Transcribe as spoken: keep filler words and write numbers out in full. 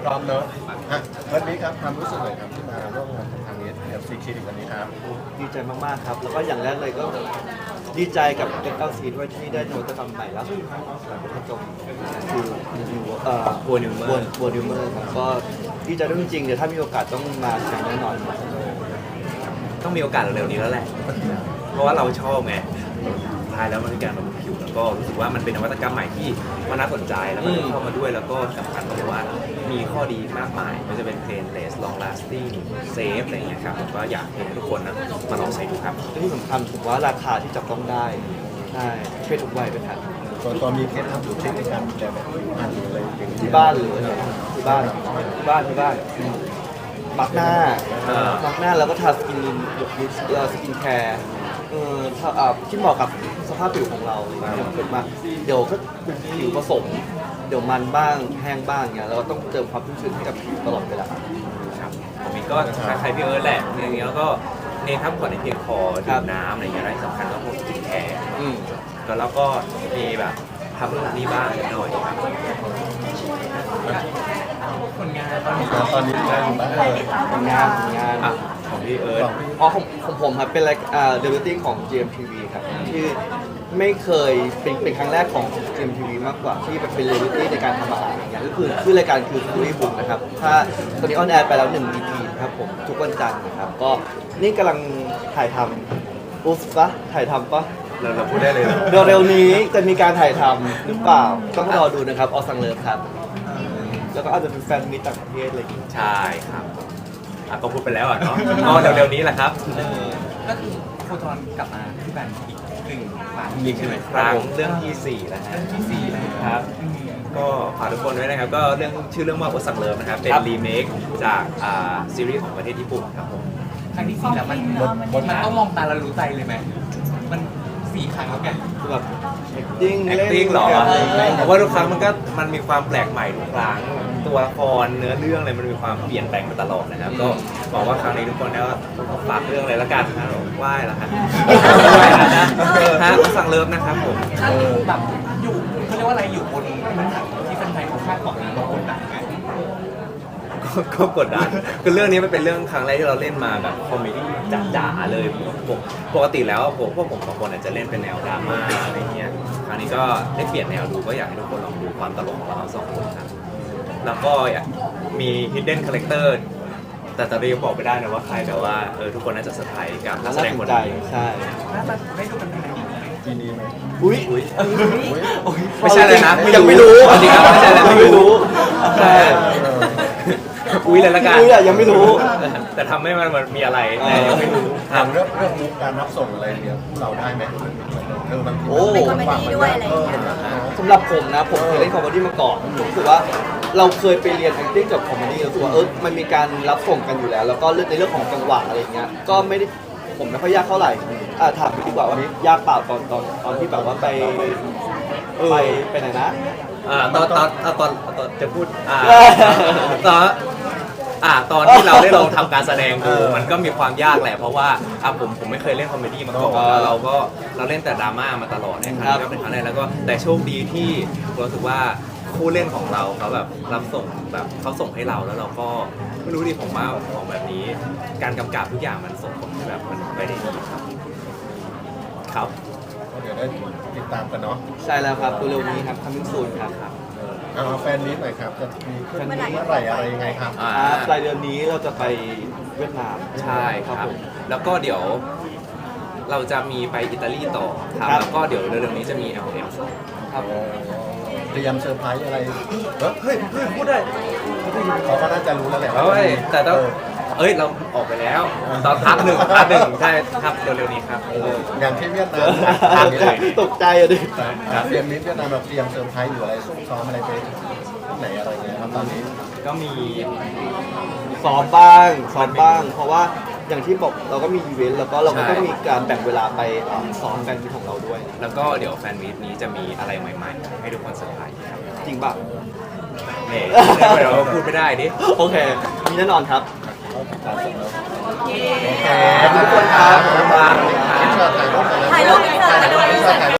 ร้อมเนอะอ่ะวันนี้ครับความรู้สึกเลยครับที่มาร่วมงานกับทางนี้เอฟซีคลินิกวันนี้ครับดีใจมากๆครับแล้วก็อย่างแรกเลยก็ดีใจกับ เอฟ แอล ซี ด้วยที่ได้นวัตกรรมใหม่ล่าสุดเป็นกระจกคือเอ่อบัวนิวเมอร์บัวนิวเมอร์ครับก็ดีใจด้วยจริงๆเดี๋ยวถ้ามีโอกาสต้องมาใช้แน่นอนต้องมีโอกาสเร็วๆนี้แล้วแหละ เพราะว่าเราชอบไงท้ายแล้วมันคือการบำรุงผิวแล้วก็รู้สึกว่ามันเป็นนวัตกรรมใหม่ที่มันน่าสนใจแล้วก็เข้ามาด้วยแล้วก็สำคัญก็คือว่ามีข้อดีมากมายไม่ว่าจะเป็น painless long lasting safe อะไรอย่างเงี้ยครับผมก็อยากให้ทุกคนนะมาลองใช้ดูครับที่สำคัญผมว่าราคาที่จับต้องได้ใช่เพศทุกวัยเป็นฐานส่วนตัวมีเคล็ดลับหรือเทคนิคการดูแลแบบผิวพรรณหรืออะไรอย่างนี้ที่บ้านหรือที่บ้านที่บ้านที่บ้านมักหน้าอ่ามักหน้าแล้วก็ทาสกินเอ่อสกินแคร์เออถ้าอ่าที่เหมาะกับสภาพผิวของเราเกิดมาเดี๋ยวก็ผิวผสม เดี๋ยวมันบ้างแห้งบ้างเงี้ยเราก็ต้องเติมความชุ่มชื้นให้กับผิวตลอดเวลาครับผมเองก็คล้ายๆพี่เอิร์ธแหละอย่างเงี้ยแล้วก็เน้นพักผ่อนในเพียงพอดื่มน้ำอะไรอย่างเงี้ยและที่สำคัญก็พวกสกินแคร์อืมก็แล้วก็มีแบบทำเรื่องนี้บ้างนิดหน่อยครับผลงานตอนนี้ตอนนี้งานอยู่บ้างเลยงานงานอ่ะของพี่เอิร์ธอ๋อของของผมครับเป็นรายอ่าเดบิวติ้งของ จี เอ็ม ที วี ครับที่ไม่เคยเป็นเป็นครั้งแรกของ จี เอ็ม ที วี มากกว่าที่แบบเป็นเดบิวติ้งในการทำอาหารอย่างเงี้ยก็คือชื่อรายการคือคุยบุกนะครับถ้าตอนนี้ออนแอร์ไปแล้วหนึ่ง อี พี ครับผมทุกวันจันทร์นะครับก็นี่กำลังถ่ายทำอุ๊บปะถ่ายทำปะเราเราพูดได้เลยเหรอเร็วๆนี้จะมีการถ่ายทำหรือเปล่าต้องรอดูนะครับออสังเลิฟครับแล้วก็อาจจะเป็นแฟนมิตรต่างประเทศอะไรอย่างเงี้ยใช่ครับอ่ะก็พูดไปแล้วอ่ะเนาะก็เร็วๆนี้แหละครับก็คือโคจรกลับมาที่แบรนด์อีกหนึ่งครั้งอีกหนึ่งครั้งเรื่องที่สี่แล้วฮะเรื่องที่สี่แล้วครับ ก็ฝากทุกคนด้วยนะครับก็เรื่องชื่อเรื่องว่าโอสังเลิฟนะครับเป็นครับรีเมคจากอ่าซีรีส์ของประเทศญี่ปุ่นครับผมครั้งที่สี่แล้วมันมันต้องมองตาแล้วรู้ใจเลยไหมมันสี่ครั้งแล้วแกคือแบบ acting เล่น acting หรอเล่นผมว่าทุกครั้งมันก็มันมีความแปลกใหม่ทุกครั้งตัวละครเนื้อเรื่องอะไรมันมีความเปลี่ยนแปลงมาตลอดนะครับก็หวังว่าครั้งนี้ทุกคนได้ฝากเรื่องอะไรละกันนะไหว้ละครับไหว้ละนะฮะสั่งเลิฟนะครับผมถ้าแบบอยู่เขาเรียกว่าอะไรอยู่บนพื้นฐานที่แฟนๆเขาคาดหวังเรากดดันไหมก็ก็กดดันคือเรื่องนี้มันเป็นเรื่องครั้งแรกที่เราเล่นมาแบบคอมเมดี้จ๋าๆเลยผมปกติแล้วผมพวกผมสองคนอาจจะเล่นเป็นแนวดราม่าอะไรเงี้ยครั้งนี้ก็ได้เปลี่ยนแนวดูก็อยากให้ทุกคนลองดูความตลกของเราสองคนครับแล้วก็มี hidden character แต่ตอนนี้ยังบอกไม่ได้นะว่าใครแต่ว่าเออทุกคนน่าจะเซอร์ไพรส์กับนักแสน่าดงสคน นใจนี้ใช่น่าจะได้ดูกันภายในปีนี้ไหมปีนี้ไหมอุ้ยอุ๊ยอุ๊ยไม่ใช่เลยนะยังไม่รู้จริงๆครับไม่ใช่เลยนะไม่รู้ใช่ อุ้ยเลยละกันอุ้ยอะยังไม่รู้แต่ทำให้มันมันมีอะไรแต่ยังไม่รู้ถามเรื่องเรื่องมุกการรับส่งอะไรเงี้ยเราได้ไหมเรื่องบางทีโอ้เป็นคอมเมดี้ด้วยอะไรอย่างเงี้ยสำหรับผมนะผมเคยเล่นคอมเมดี้มาก่อนผมรู้สึกว่าเราเคยไปเรียน acting กับคอมเมดี้รู้สึกว่าเออมันมีการรับส่งกันอยู่แล้ว แล้วก็เรื่องในเรื่องของจังหวะอะไรอย่างเงี้ยก็ไม่ได้ผมไม่ค่อยยากเท่าไหร่อ่าถามดีกว่าว่ายากเปล่าตอนตอนตอนที่แบบว่าไปไปไปไหนนะอ่าตอนตอนอ่าตอนตอนจะพูดอ่าตอนอ่าตอนที่เราได้ลองทำการแสดงดูมันก็มีความยากแหละเพราะว่าอ่ะผมผมไม่เคยเล่นคอมเมดี้มาก่อนแล้วเราก็เราเล่นแต่ดราม่ามาตลอดเนี่ยครั้งนี้ก็เป็นครั้งแรกแล้วก็แต่โชคดีที่รู้สึกว่าคู่เล่นของเราเขาแบบรับส่งแบบเขาส่งให้เราแล้วเราก็ไม่รู้ดิผมว่าของแบบนี้ การกำกับทุกอย่างมันส่งผลแบบมันไปได้ดีครับครับเดี๋ยวได้ติดตามกันเนาะใช่แล้วครับเร็วๆนี้ครับ coming soon ครับเอาแฟนนี้หน่อยครับจะมีขึ้นเมื่อไหร่อะไรยังไงครับอ่าอ่าปลายเดือนนี้เราจะไปเวียดนามใช่ครับผมแล้วก็เดี๋ยวเราจะมีไปอิตาลีต่อครับครับแล้วก็เดี๋ยวเร็วๆนี้จะมี แอล เอ็มครับเตรียมเซอร์ไพรส์อะไรเฮ้ยเฮ้ยเฮ้ยพูดได้เขาก็น่าจะรู้แล้วแหละเฮ้ยแต่ต้องเออเอ้ยเราออกไปแล้ว ตอนพักหนึ่งพักหนึ่งใช่ครับเร็วๆนี้ครับเอออย่างที่เวียดนามครับตกใจอะดิครับเตรียมมิตรเวียดนามเราเตรียมเซอร์ไพรส์หรืออะไรซุ่มซ้อมอะไรไปที่ไหนอะไรเงี้ยครับตอนนี้ก็มีซ้อมบ้างซ้อมบ้าง เพราะว่าอย่างที่บอกเราก็มีอีเวนต์แล้วก็เราก็ต้องมีการแบ่งเวลาไปเอ่อซ้อมกันมีของเราด้วยแล้วก็เดี๋ยวแฟนมีตนี้จะมีอะไรใหม่ๆ ให้ทุกคนเซอร์ไพรส์ครับจริงป่ะเนี่ยเดี๋ยวเราพูดไม่ได้ดิโอเค มีแน่นอนครับเขาติดตามส่งแล้วโอเคขอบคุณทุกคนครับขอบคุณครับถ่ายรูปหน่อยนะถ่ายรูปอีกเถอะ